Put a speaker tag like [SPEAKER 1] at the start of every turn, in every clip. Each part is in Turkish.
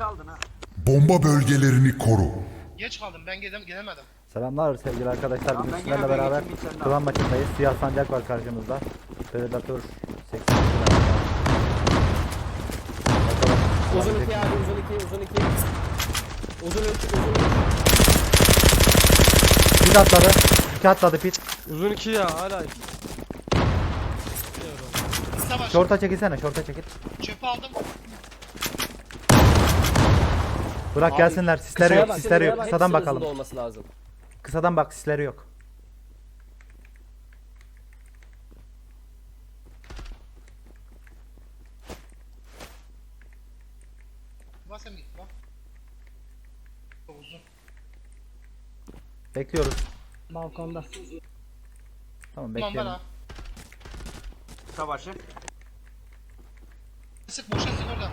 [SPEAKER 1] kaldın ha.
[SPEAKER 2] Bomba bölgelerini koru.
[SPEAKER 3] Geç kaldım ben gelemedim.
[SPEAKER 4] Selamlar sevgili arkadaşlar.
[SPEAKER 1] Tamam,
[SPEAKER 4] Bugün
[SPEAKER 1] ben
[SPEAKER 4] sizlerle
[SPEAKER 1] gene
[SPEAKER 4] beraber
[SPEAKER 1] geçeyim, sen de
[SPEAKER 4] klan
[SPEAKER 1] al.
[SPEAKER 4] maçındayız. Siyah sancak var karşımızda. Predator 80.
[SPEAKER 5] Uzun 2 abi, uzun 2, uzun 2. Uzun 3, uzun 3.
[SPEAKER 4] Pit atladı. 2 atladı pit.
[SPEAKER 6] Uzun 2 ya hala.
[SPEAKER 3] Savaş.
[SPEAKER 4] Şorta çekilsene, şorta çekil.
[SPEAKER 3] Çöpü aldım.
[SPEAKER 4] Bırak gelsinler. Sisleri yok, sisleri yok.
[SPEAKER 5] Hepsi
[SPEAKER 4] Kısadan
[SPEAKER 5] uzun
[SPEAKER 4] bakalım.
[SPEAKER 5] da olması lazım.
[SPEAKER 4] Kısadan bak, sisleri yok.
[SPEAKER 3] Basam git bak. Çok uzun.
[SPEAKER 4] Bekliyoruz.
[SPEAKER 7] Balkonda.
[SPEAKER 4] Tamam
[SPEAKER 3] Tamam
[SPEAKER 4] bekleyelim.
[SPEAKER 3] bana.
[SPEAKER 1] Savaşı.
[SPEAKER 3] Sık boşa sık oradan.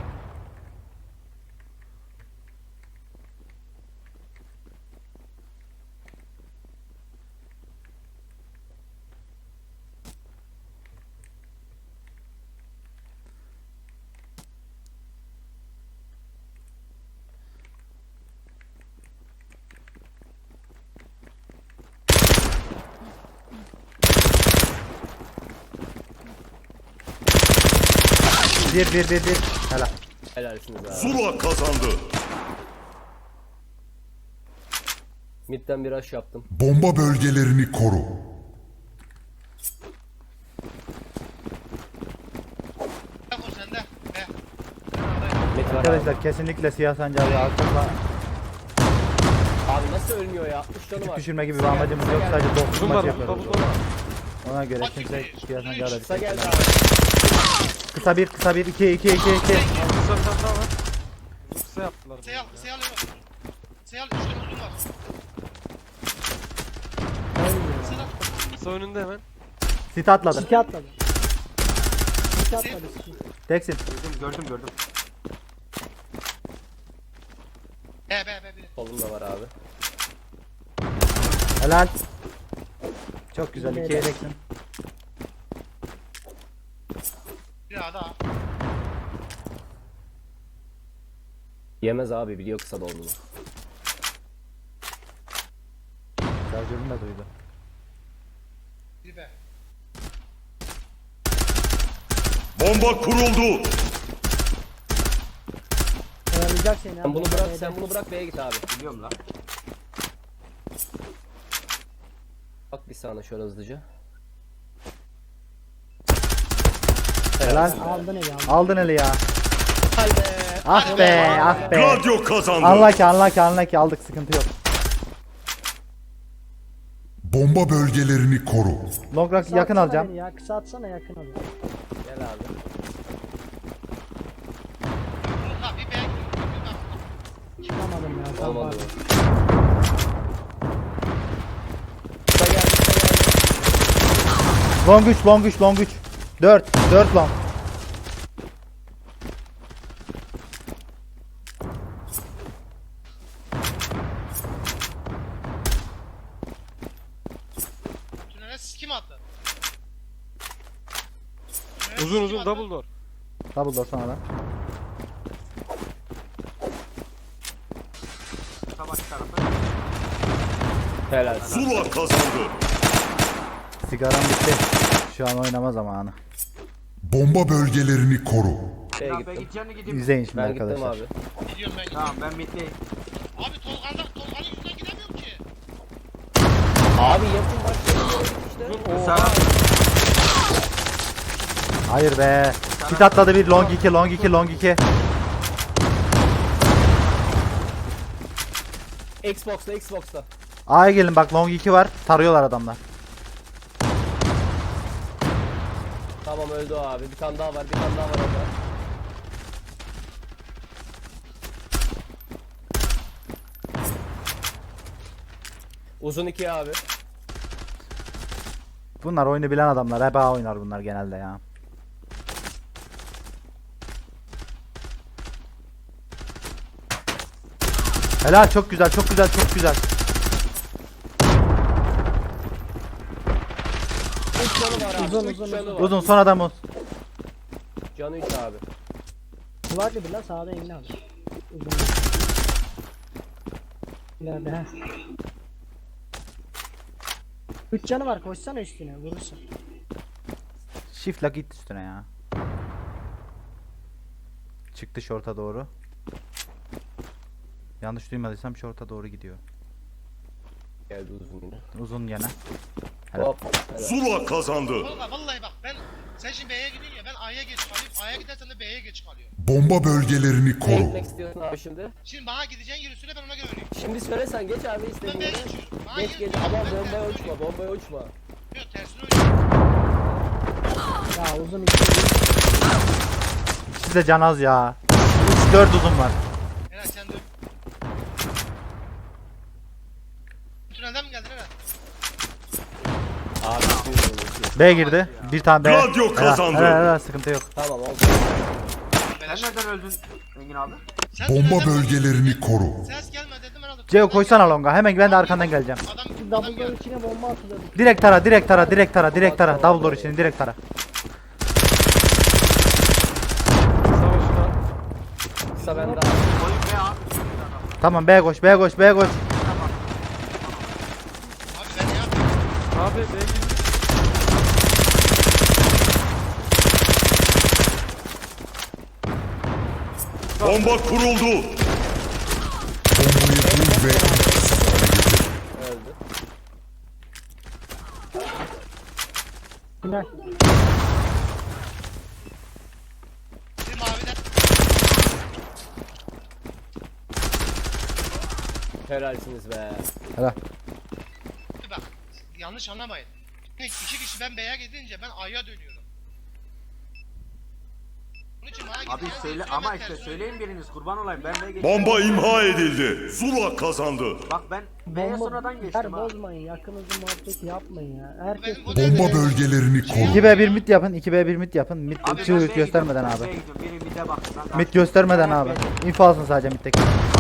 [SPEAKER 4] Bir. Helal.
[SPEAKER 5] Helalsiniz abi.
[SPEAKER 2] Zula kazandı.
[SPEAKER 5] Mid'den bir rush yaptım.
[SPEAKER 2] Bomba bölgelerini koru.
[SPEAKER 3] Bak o sende. He.
[SPEAKER 5] Mid var abi.
[SPEAKER 4] Arkadaşlar kesinlikle siyah sancağı arkasına
[SPEAKER 5] Abi nasıl ölmüyor ya? 60 canı var.
[SPEAKER 4] düşürme gibi bir amacımız yok. Sadece dokuz
[SPEAKER 6] Uzun
[SPEAKER 4] maç
[SPEAKER 6] var,
[SPEAKER 4] yapıyoruz.
[SPEAKER 6] uzun var.
[SPEAKER 4] Ona göre
[SPEAKER 3] Bak
[SPEAKER 4] kimse
[SPEAKER 3] şimdi,
[SPEAKER 4] siyah sancağı da
[SPEAKER 5] Kısa geldi
[SPEAKER 4] düşürmez.
[SPEAKER 5] abi.
[SPEAKER 4] Kısa bir, 2.
[SPEAKER 6] Kısa bir tane daha var. Kısa yaptılar.
[SPEAKER 3] Seyal alıyorum. Seyal 3 tane uzun var. Seyal.
[SPEAKER 6] Kısa önünde hemen.
[SPEAKER 4] Sit atladı.
[SPEAKER 7] 2 atladı. 2 atladı.
[SPEAKER 4] Teksin.
[SPEAKER 1] Gördüm.
[SPEAKER 3] Be.
[SPEAKER 5] Solum da var abi.
[SPEAKER 4] Helal. Çok güzel. 2'ye teksin.
[SPEAKER 3] Bir daha.
[SPEAKER 5] Yemez abi, biliyor kısa da olduğunu.
[SPEAKER 4] Şarjörünü de duydu.
[SPEAKER 3] Bir be.
[SPEAKER 2] Bomba kuruldu.
[SPEAKER 7] Oyalayacak seni.
[SPEAKER 5] Sen bunu bırak, sen bunu bırak B'ye git abi.
[SPEAKER 1] Biliyorum lan.
[SPEAKER 5] Bak bir saniye şöyle hızlıca.
[SPEAKER 4] Helal.
[SPEAKER 7] Aldın eli aldın.
[SPEAKER 4] Aldın eli ya. Ah be.
[SPEAKER 2] Gladio kazandı.
[SPEAKER 4] Anla ki aldık, sıkıntı yok.
[SPEAKER 2] Bomba bölgelerini koru.
[SPEAKER 4] Long rock
[SPEAKER 7] Kısa
[SPEAKER 4] yakın
[SPEAKER 7] atsana
[SPEAKER 4] alacağım.
[SPEAKER 7] beni Ya. Kısa atsana yakın al.
[SPEAKER 5] Gel abi.
[SPEAKER 3] Ha bir be. Bir bak.
[SPEAKER 7] Çıkamadım ya. Tam
[SPEAKER 5] Olmadı.
[SPEAKER 7] var.
[SPEAKER 5] Kısa geldi, kısa geldi.
[SPEAKER 4] Long 3. 4 long.
[SPEAKER 3] Tünele siz kim attı?
[SPEAKER 6] Uzun double door.
[SPEAKER 4] Double door sonra da.
[SPEAKER 1] Savaş tarafı.
[SPEAKER 5] Helal.
[SPEAKER 2] Zula kazandı.
[SPEAKER 4] Sigaram bitti. Şu an oynama zamanı.
[SPEAKER 2] Bomba bölgelerini koru.
[SPEAKER 5] B'ye
[SPEAKER 1] Tamam ben
[SPEAKER 5] gittim.
[SPEAKER 1] gideceğini gideyim.
[SPEAKER 4] İzleyin şimdi
[SPEAKER 5] Ben gittim
[SPEAKER 4] arkadaşlar.
[SPEAKER 5] abi.
[SPEAKER 3] Gidiyorum ben.
[SPEAKER 1] Tamam ben middeyim.
[SPEAKER 3] Abi Tolga'nın yüzünden gidemiyorum ki.
[SPEAKER 5] Abi yapın bak. İşte.
[SPEAKER 1] Sağ.
[SPEAKER 4] Hayır be. Pit atladı bir. Long 2.
[SPEAKER 5] Xbox'ta.
[SPEAKER 4] A'ya gelin bak, long 2 var. Tarıyorlar adamlar.
[SPEAKER 5] Tamam öldü o abi. Bir tane daha var orada. Uzun 2 abi.
[SPEAKER 4] Bunlar oyunu bilen adamlar. Hep A oynar bunlar genelde ya. Helal, çok güzel.
[SPEAKER 5] Üç canı var abi.
[SPEAKER 7] Uzun,
[SPEAKER 5] Üç
[SPEAKER 7] uzun,
[SPEAKER 5] canı var.
[SPEAKER 4] Uzun son adam o.
[SPEAKER 5] Canı 3 abi.
[SPEAKER 7] Var bir lan sağda elini al. Uzun. İleride he. 3 canı var, koşsana üstüne vurursun.
[SPEAKER 4] Shift'la git üstüne ya. Çıktı short'a doğru. Yanlış duymadıysam short'a doğru gidiyor.
[SPEAKER 5] Geldi uzun yine.
[SPEAKER 4] Uzun gene. Helal.
[SPEAKER 5] Hop. Helal.
[SPEAKER 2] Zula kazandı.
[SPEAKER 3] Tolga vallahi bak ben sen şimdi B'ye gidiyorsun ya ben A'ya geç kalıyorum. A'ya gidersen de B'ye geç kalıyorum.
[SPEAKER 2] Bomba bölgelerini
[SPEAKER 5] Ne
[SPEAKER 2] koru.
[SPEAKER 5] gitmek istiyorsun abi şimdi?
[SPEAKER 3] Şimdi bana gideceğin yeri söyle ben ona göre öleyim.
[SPEAKER 5] Şimdi söylesen geç abi
[SPEAKER 3] Ben
[SPEAKER 5] istediğin
[SPEAKER 3] B'ye
[SPEAKER 5] yere.
[SPEAKER 3] geçiyorum. Bana
[SPEAKER 5] Geç
[SPEAKER 3] yeri
[SPEAKER 5] geç
[SPEAKER 3] söyle,
[SPEAKER 5] ama
[SPEAKER 3] ben
[SPEAKER 5] bombaya
[SPEAKER 3] tersine
[SPEAKER 5] uçma,
[SPEAKER 3] ölüyorum.
[SPEAKER 5] bombaya uçma.
[SPEAKER 3] Yok tersine ölüyorum.
[SPEAKER 7] Ya uzun iki.
[SPEAKER 4] İkisi de can az ya. 3-4 uzun var.
[SPEAKER 3] Helal sen de öl. Tünelden mi geldin Helal?
[SPEAKER 5] Abi bir
[SPEAKER 4] B girdi. Bir tane B.
[SPEAKER 2] Gladio
[SPEAKER 4] Helal,
[SPEAKER 2] kazandı.
[SPEAKER 4] helal, sıkıntı yok.
[SPEAKER 5] Tamam oldu.
[SPEAKER 1] Sen nereden öldün Engin abi?
[SPEAKER 3] Sen
[SPEAKER 2] Bomba
[SPEAKER 3] tünelden mi
[SPEAKER 2] bölgelerini
[SPEAKER 3] geldin?
[SPEAKER 2] koru.
[SPEAKER 3] Ses gelme dedim herhalde.
[SPEAKER 4] Ceo koşsana longa. Hemen ben de arkandan geleceğim.
[SPEAKER 3] Adam
[SPEAKER 7] Double door
[SPEAKER 3] geldi.
[SPEAKER 7] içine bomba atılır.
[SPEAKER 4] Direkt tara, direkt tara, direkt tara, direkt tara. Double door için direkt tara.
[SPEAKER 6] Savaşına.
[SPEAKER 5] Kısa bende abi.
[SPEAKER 1] Oyun be abi.
[SPEAKER 4] Tamam B koş, B koş, B koş.
[SPEAKER 3] Abi ben ne yapayım?
[SPEAKER 6] Abi B girmiş.
[SPEAKER 2] Bomba kuruldu. Bombayı bul ve etkisiz hale getir.
[SPEAKER 5] Öldü.
[SPEAKER 7] Final.
[SPEAKER 3] Bir maviden.
[SPEAKER 5] Helalsiniz be.
[SPEAKER 4] Helal.
[SPEAKER 3] Bir bak. Yanlış anlamayın. İki kişi ben B'ye gidince ben A'ya dönüyorum. Bunun için bana
[SPEAKER 1] Abi
[SPEAKER 3] gideceğin
[SPEAKER 1] söyle
[SPEAKER 3] yeri
[SPEAKER 1] ama
[SPEAKER 3] ben
[SPEAKER 1] işte
[SPEAKER 3] tersine
[SPEAKER 1] söyleyin biriniz kurban olayım ben B'ye geçtim.
[SPEAKER 2] Bomba imha edildi. Zula kazandı.
[SPEAKER 1] Bak ben B'ye sonradan geçtim ha.
[SPEAKER 7] Bozmayın, yakınızı muhabbet yapmayın ya. Herkes
[SPEAKER 2] Bomba bölgelerini koru.
[SPEAKER 4] 2B1 mid yapın, 2B1 mid yapın. Mid
[SPEAKER 1] Abi ben
[SPEAKER 4] çığ
[SPEAKER 1] B'ye
[SPEAKER 4] göstermeden
[SPEAKER 1] gidiyorum,
[SPEAKER 4] abi.
[SPEAKER 1] B'ye gidiyorum. Biri bir de bak. Ben
[SPEAKER 4] Mid göstermeden
[SPEAKER 1] Ben
[SPEAKER 4] abi.
[SPEAKER 1] B'ye-
[SPEAKER 4] Info alsın sadece middeki.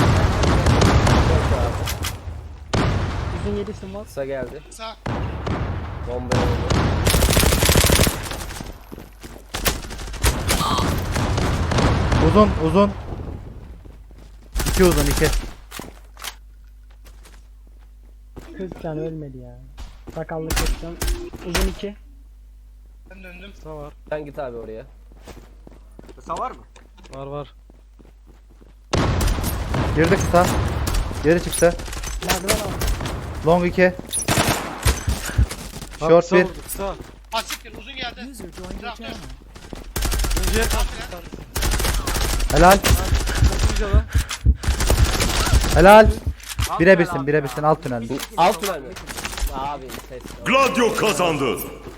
[SPEAKER 7] uzun 7'sin var.
[SPEAKER 5] Kısa geldi.
[SPEAKER 3] Sağ.
[SPEAKER 5] Bombaya oldu.
[SPEAKER 4] Uzun, uzun. 2 uzun, 2.
[SPEAKER 7] 40 can ölmedi ya. Sakallı 40 can. Uzun 2.
[SPEAKER 3] Ben döndüm.
[SPEAKER 6] Kısa var.
[SPEAKER 5] Sen git abi oraya.
[SPEAKER 1] Kısa var mı?
[SPEAKER 6] Var var.
[SPEAKER 4] Girdi kısa. Geri çıktı.
[SPEAKER 7] Merdiven al.
[SPEAKER 4] Long 2.
[SPEAKER 6] Abi
[SPEAKER 4] Short
[SPEAKER 6] kısa
[SPEAKER 4] 1.
[SPEAKER 6] vurdu, kısa.
[SPEAKER 3] Asiktir uzun geldi. Traktör.
[SPEAKER 6] İkinciye kalktı.
[SPEAKER 4] Helal.
[SPEAKER 6] Çok güzel lan.
[SPEAKER 4] Helal.
[SPEAKER 1] Alt
[SPEAKER 4] Bire
[SPEAKER 1] tünel
[SPEAKER 4] birsin,
[SPEAKER 1] abi
[SPEAKER 4] bire
[SPEAKER 1] ya.
[SPEAKER 4] birsin. Alt tünel.
[SPEAKER 5] Alt tünel mi? Abi ses.
[SPEAKER 2] Gladio kazandı.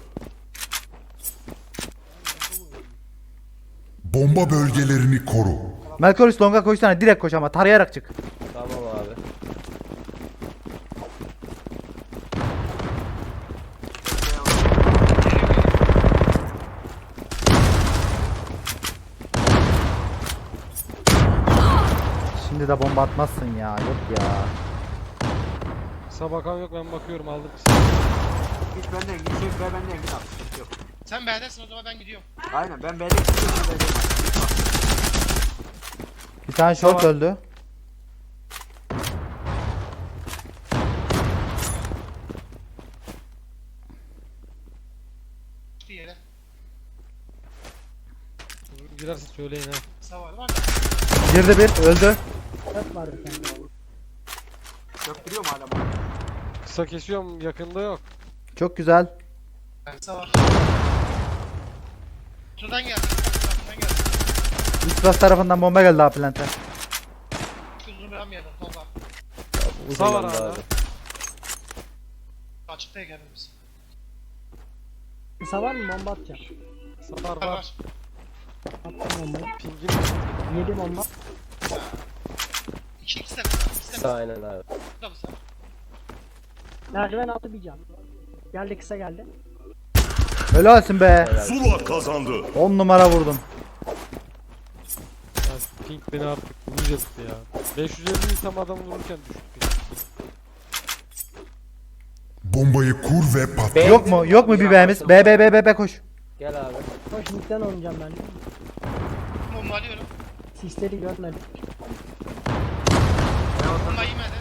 [SPEAKER 2] Bomba bölgelerini koru.
[SPEAKER 4] Melkoris longa koşsana. Direkt koş ama. Tarayarak çık.
[SPEAKER 5] Tamam abi.
[SPEAKER 4] Şimdi de bomba atmazsın ya. Yok ya.
[SPEAKER 6] Kısa bakan yok ben bakıyorum aldım kısa.
[SPEAKER 1] Git benden git. Şey B benden git abi. Sıkıntı yok.
[SPEAKER 3] Sen B'desin o zaman ben gidiyorum.
[SPEAKER 1] Aynen ben B'de gidiyorum. B'de
[SPEAKER 4] Bir tane short
[SPEAKER 6] Tamam.
[SPEAKER 4] öldü.
[SPEAKER 3] Bir yere.
[SPEAKER 6] Girerse söyleyin ha.
[SPEAKER 3] Sağ var var.
[SPEAKER 4] Girdi bir. Öldü.
[SPEAKER 7] 4 var bir tane.
[SPEAKER 1] Döktürüyorum hala bak.
[SPEAKER 6] Kısa kesiyorum yakında yok.
[SPEAKER 4] Çok güzel.
[SPEAKER 3] Sağ var. Şuradan geldi. Şuradan geldi.
[SPEAKER 4] Üst tarafından bomba geldi abi plante.
[SPEAKER 3] Uzun bir yedim. Tolga.
[SPEAKER 5] Uzun
[SPEAKER 6] Kısa var
[SPEAKER 5] bende
[SPEAKER 6] hala.
[SPEAKER 5] abi.
[SPEAKER 3] Açıktayız hepimiz.
[SPEAKER 7] Kısa var mı? Bomba atacağım.
[SPEAKER 6] Kısa var
[SPEAKER 3] Var
[SPEAKER 6] var.
[SPEAKER 3] var.
[SPEAKER 7] Attım bombayı.
[SPEAKER 6] Pingin
[SPEAKER 7] 7 bomba.
[SPEAKER 3] İki tane kısa. İki
[SPEAKER 5] Kısa
[SPEAKER 3] tane
[SPEAKER 5] aynen abi.
[SPEAKER 3] kısa.
[SPEAKER 7] Merdiven altı bir can. Geldi kısa geldi.
[SPEAKER 4] Helalsin be.
[SPEAKER 5] Helal.
[SPEAKER 2] Zula kazandı.
[SPEAKER 4] 10 numara vurdum.
[SPEAKER 6] Ya ping beni artık uyuz etti ya. 550 tam adam vururken düştü ping.
[SPEAKER 2] Bombayı kur ve patlat.
[SPEAKER 5] B-
[SPEAKER 4] Yok mu? Yok mu bir B'miz? B koş.
[SPEAKER 5] Gel abi.
[SPEAKER 7] Koş midden oynayacağım ben.
[SPEAKER 3] Bomba alıyorum.
[SPEAKER 7] Sisleri görmedim.
[SPEAKER 3] Bomba yemedi.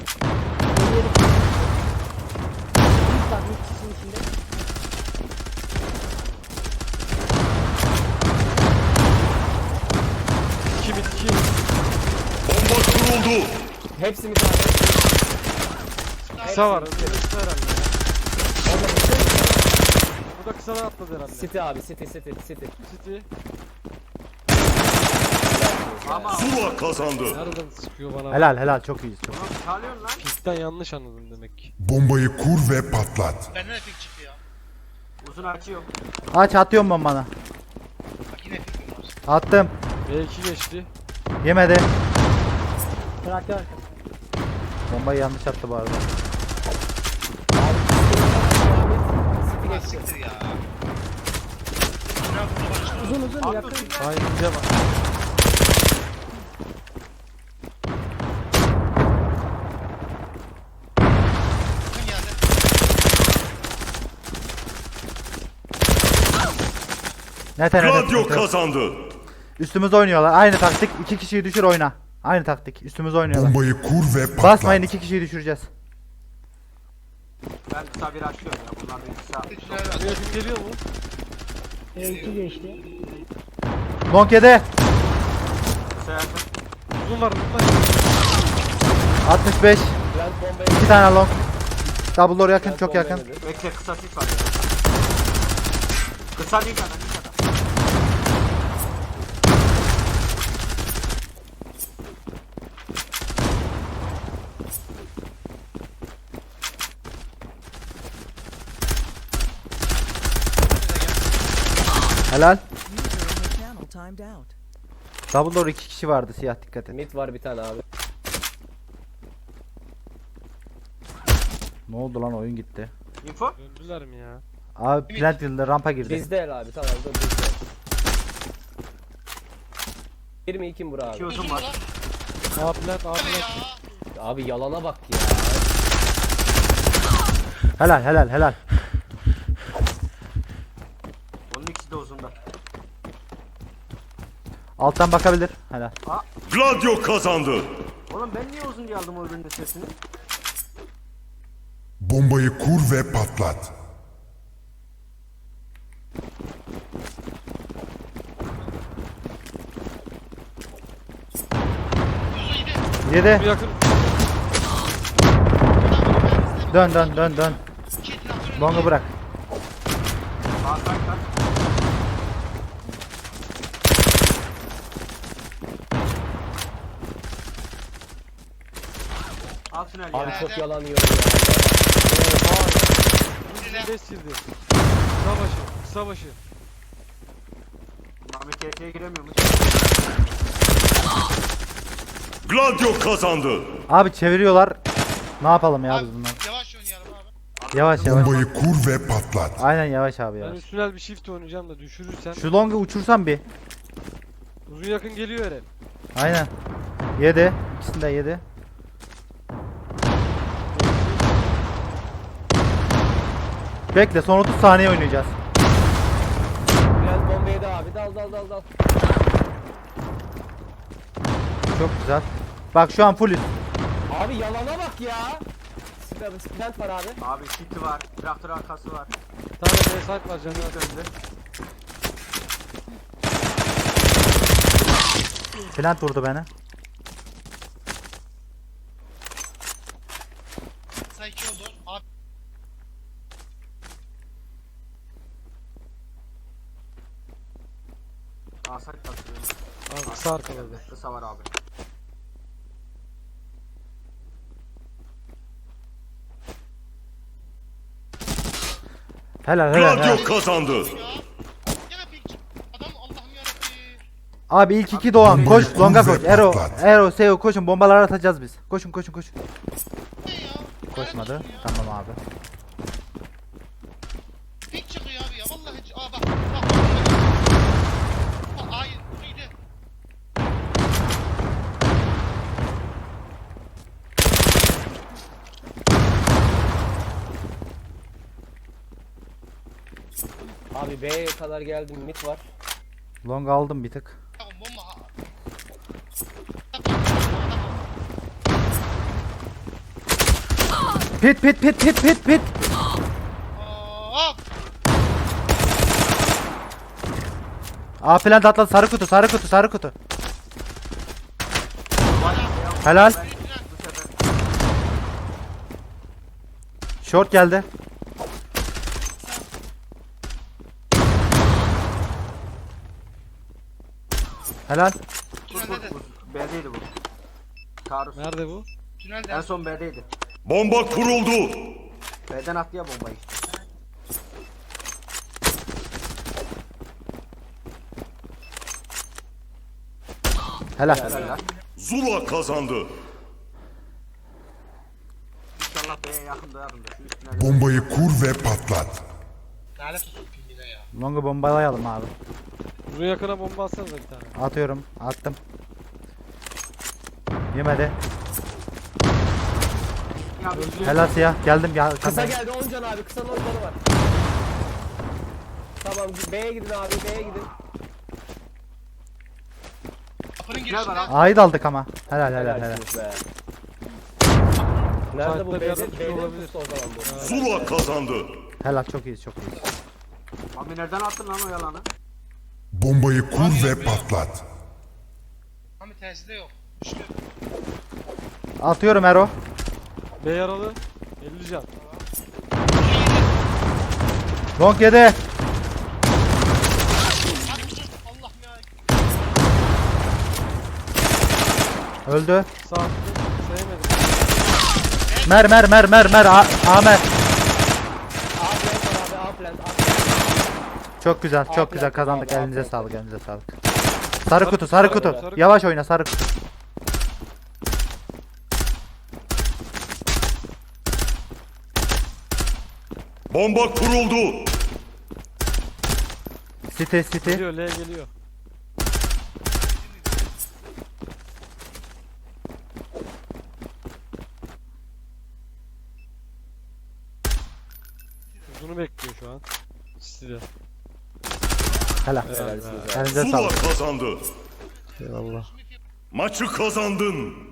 [SPEAKER 7] Bir bak bir kişinin içinde.
[SPEAKER 6] İki bit iki.
[SPEAKER 2] Bomba kuruldu.
[SPEAKER 5] Hepsi mi kaldı?
[SPEAKER 6] Kısa var. Kısa herhalde. Bu da kısadan atladı herhalde.
[SPEAKER 5] City abi, City.
[SPEAKER 6] City.
[SPEAKER 1] Ama
[SPEAKER 2] Zula kazandı.
[SPEAKER 6] Nereden sıkıyor bana?
[SPEAKER 4] Helal çok iyiyiz çok.
[SPEAKER 1] oğlum çalıyorsun lan.
[SPEAKER 6] Pistten yanlış anladım demek ki.
[SPEAKER 2] Bombayı kur ve patlat.
[SPEAKER 3] Benden de pik çıktı ya.
[SPEAKER 1] Uzun açıyor.
[SPEAKER 4] Aç atıyorum bombanı.
[SPEAKER 3] Bak yine pikim var.
[SPEAKER 4] Attım.
[SPEAKER 6] B2 geçti.
[SPEAKER 4] Yemedi.
[SPEAKER 7] Traktör arkası.
[SPEAKER 4] Bombayı yanlış attı bu arada.
[SPEAKER 5] City
[SPEAKER 3] Ulan
[SPEAKER 5] geçti.
[SPEAKER 3] siktir ya. Ne yaptı bana işte?
[SPEAKER 7] Uzun yakın.
[SPEAKER 6] Hayır bize bak.
[SPEAKER 3] Kim geldi?
[SPEAKER 4] Nete
[SPEAKER 2] Gladio kazandı.
[SPEAKER 4] Üstümüze oynuyorlar. Aynı taktik. 2 kişiyi düşür oyna. Aynı taktik. Üstümüze oynuyorlar.
[SPEAKER 2] Bombayı kur ve patlat.
[SPEAKER 4] Basmayın 2 kişiyi düşüreceğiz.
[SPEAKER 1] Ben kısa bir açıyorum ya. Bunlar da kısa.
[SPEAKER 3] Tecrübeler var.
[SPEAKER 6] Yakın geliyor mu?
[SPEAKER 7] E2 geçti.
[SPEAKER 4] Long yedi.
[SPEAKER 1] Kısa yakın.
[SPEAKER 6] Uzun var. Uzun var.
[SPEAKER 4] 65.
[SPEAKER 5] Plant bombayı
[SPEAKER 4] 2 tane long. Double door yakın
[SPEAKER 5] Plant
[SPEAKER 4] çok yakın.
[SPEAKER 5] bombayı yedi.
[SPEAKER 1] Bekle kısa sis var ya. Kısa değil kadar.
[SPEAKER 4] Helal.
[SPEAKER 8] User in your channel timed out.
[SPEAKER 4] Double door 2 kişi vardı siyah dikkat et.
[SPEAKER 5] Mid var bir tane abi.
[SPEAKER 4] Ne oldu lan oyun gitti.
[SPEAKER 1] Info.
[SPEAKER 6] Döndüler mi ya?
[SPEAKER 4] Abi plant yıldı rampa girdi.
[SPEAKER 5] Bizde el abi tamam dur bizde. 22 mi bura abi?
[SPEAKER 1] İki uzun
[SPEAKER 3] Uzun
[SPEAKER 1] var.
[SPEAKER 3] lan.
[SPEAKER 6] A plant A
[SPEAKER 3] Hadi
[SPEAKER 6] plant.
[SPEAKER 3] ya.
[SPEAKER 5] Abi yalana bak ya.
[SPEAKER 4] Helal.
[SPEAKER 1] Onun ikisi de uzunda.
[SPEAKER 4] Alttan bakabilir. Helal.
[SPEAKER 2] Gladio kazandı.
[SPEAKER 1] Oğlum ben niye uzun geldim o ürünün sesini?
[SPEAKER 2] Bombayı kur ve patlat.
[SPEAKER 3] Uzun yedi.
[SPEAKER 4] 7.
[SPEAKER 6] Bir yakın.
[SPEAKER 4] Dön.
[SPEAKER 3] İki traktörün
[SPEAKER 4] Long'u bırak.
[SPEAKER 1] Sağ side kaç. Al tünel
[SPEAKER 5] Abi
[SPEAKER 1] ya.
[SPEAKER 5] çok yalan yiyor ya.
[SPEAKER 3] Bize.
[SPEAKER 6] 5 girdi. Kısa başı. Kısa başı.
[SPEAKER 1] Ahmet KT'ye giremiyormuş.
[SPEAKER 2] Gladio kazandı.
[SPEAKER 4] Abi çeviriyorlar. Ne yapalım ya biz bunlar?
[SPEAKER 3] Yavaş oynayalım abi.
[SPEAKER 4] Yavaş.
[SPEAKER 2] Bombayı kur ve patlat.
[SPEAKER 4] Aynen yavaş abi
[SPEAKER 6] Ben
[SPEAKER 4] ya.
[SPEAKER 6] üstünel bir shift oynayacağım da düşürürsen.
[SPEAKER 4] Şu long'u uçursan bir.
[SPEAKER 6] Uzun yakın geliyor Eren.
[SPEAKER 4] Aynen. 7. İkisini de 7. Bekle son 30 saniye oynayacağız.
[SPEAKER 5] Plant bombayı da abi dal.
[SPEAKER 4] Çok güzel. Bak şu an full.
[SPEAKER 5] Abi yalana bak ya. Plant var abi.
[SPEAKER 1] Abi city var. Traktör arkası var.
[SPEAKER 6] Bir tane B site var canım.
[SPEAKER 1] Önde.
[SPEAKER 4] Plant vurdu beni.
[SPEAKER 3] Kısa iki oldu. Abi.
[SPEAKER 1] Sağ side basıyor.
[SPEAKER 6] Abi kısa arkaladı.
[SPEAKER 1] Kısa var abi.
[SPEAKER 4] Helal.
[SPEAKER 2] Gladio kazandı.
[SPEAKER 3] Ya. Gene pik çıktı. Adam Allah'ım yarabbim.
[SPEAKER 4] Abi ilk 2 Doğan
[SPEAKER 2] Bombayı
[SPEAKER 4] koş
[SPEAKER 2] kur
[SPEAKER 4] longa
[SPEAKER 2] ve
[SPEAKER 4] koş. Ero,
[SPEAKER 2] patlat.
[SPEAKER 4] Seo koşun bombalar atacağız biz. Koşun.
[SPEAKER 3] Ne ya?
[SPEAKER 4] Koşmadı.
[SPEAKER 3] Lanet olsun ya.
[SPEAKER 4] Tamam abi.
[SPEAKER 3] Pik çıkıyor abi ya. Vallahi. Aa bak. Bak. Hayır. Uzuydu.
[SPEAKER 5] Abi B'ye kadar geldim mid var.
[SPEAKER 4] Long aldım bir tık.
[SPEAKER 3] Tamam bomba.
[SPEAKER 4] Pit.
[SPEAKER 3] Hop.
[SPEAKER 4] A plan da atladı. Sarı kutu. Helal. Short geldi. Helal.
[SPEAKER 3] Tünelde de.
[SPEAKER 1] B'deydi bu. Taarruz.
[SPEAKER 6] Nerede bu?
[SPEAKER 3] Tünelde.
[SPEAKER 1] En son B'deydi.
[SPEAKER 2] Bomba kuruldu.
[SPEAKER 1] B'den attı ya bombayı işte.
[SPEAKER 4] Helal.
[SPEAKER 1] Helal.
[SPEAKER 2] Zula kazandı.
[SPEAKER 1] İnşallah B'ye yakın doyarımdır. Şu üstüne
[SPEAKER 2] Bombayı kur ve patlat.
[SPEAKER 3] Lanet olsun pingine ya.
[SPEAKER 4] Long'u bombalayalım abi.
[SPEAKER 6] Uzun yakına bomba atsanıza bir tane.
[SPEAKER 4] Atıyorum. Attım. Yemedi. Helal siyah. Geldim.
[SPEAKER 5] Kısa geldi 10 can abi. Kısanın 10 canı var. Tamam B'ye gidin abi B'ye gidin.
[SPEAKER 3] Kapının
[SPEAKER 1] Gel bana.
[SPEAKER 3] girişinde.
[SPEAKER 4] A'yı da aldık ama. Helal.
[SPEAKER 5] Helalsiniz be. Nerede bu
[SPEAKER 6] Site'da bir yerde
[SPEAKER 5] B'de?
[SPEAKER 6] tutuyor
[SPEAKER 5] B'de
[SPEAKER 6] olabilir.
[SPEAKER 5] pustu o zaman bu.
[SPEAKER 2] Zula kazandı.
[SPEAKER 4] Helal çok iyiyiz.
[SPEAKER 1] Mami nereden attın lan o yalanı?
[SPEAKER 2] Bombayı kur ve patlat.
[SPEAKER 3] Ama terside yok. Düştü.
[SPEAKER 4] Atıyorum Ero.
[SPEAKER 6] B yaralı. 50 can.
[SPEAKER 4] Long yedi.
[SPEAKER 3] Allah'ım ya.
[SPEAKER 4] Öldü.
[SPEAKER 6] Sağ tıklı. Sevmedim.
[SPEAKER 4] Mer. Amer.
[SPEAKER 5] A plant var abi A plant. A plant.
[SPEAKER 4] Çok güzel. Çok
[SPEAKER 5] Aferin,
[SPEAKER 4] güzel kazandık.
[SPEAKER 5] aferin.
[SPEAKER 4] Elinize sağlık. Sarı
[SPEAKER 6] Sarı
[SPEAKER 4] kutu.
[SPEAKER 6] kutu.
[SPEAKER 4] Yavaş oyna sarı kutu.
[SPEAKER 2] Bomba kuruldu.
[SPEAKER 4] City.
[SPEAKER 6] Geliyor L geliyor. Uzunu bekliyor şu an. Size.
[SPEAKER 4] Helal.
[SPEAKER 5] Helalsiniz abi.
[SPEAKER 4] Elinize
[SPEAKER 2] Zula
[SPEAKER 4] sağlık.
[SPEAKER 2] kazandı.
[SPEAKER 6] Eyvallah.
[SPEAKER 2] Maçı kazandın.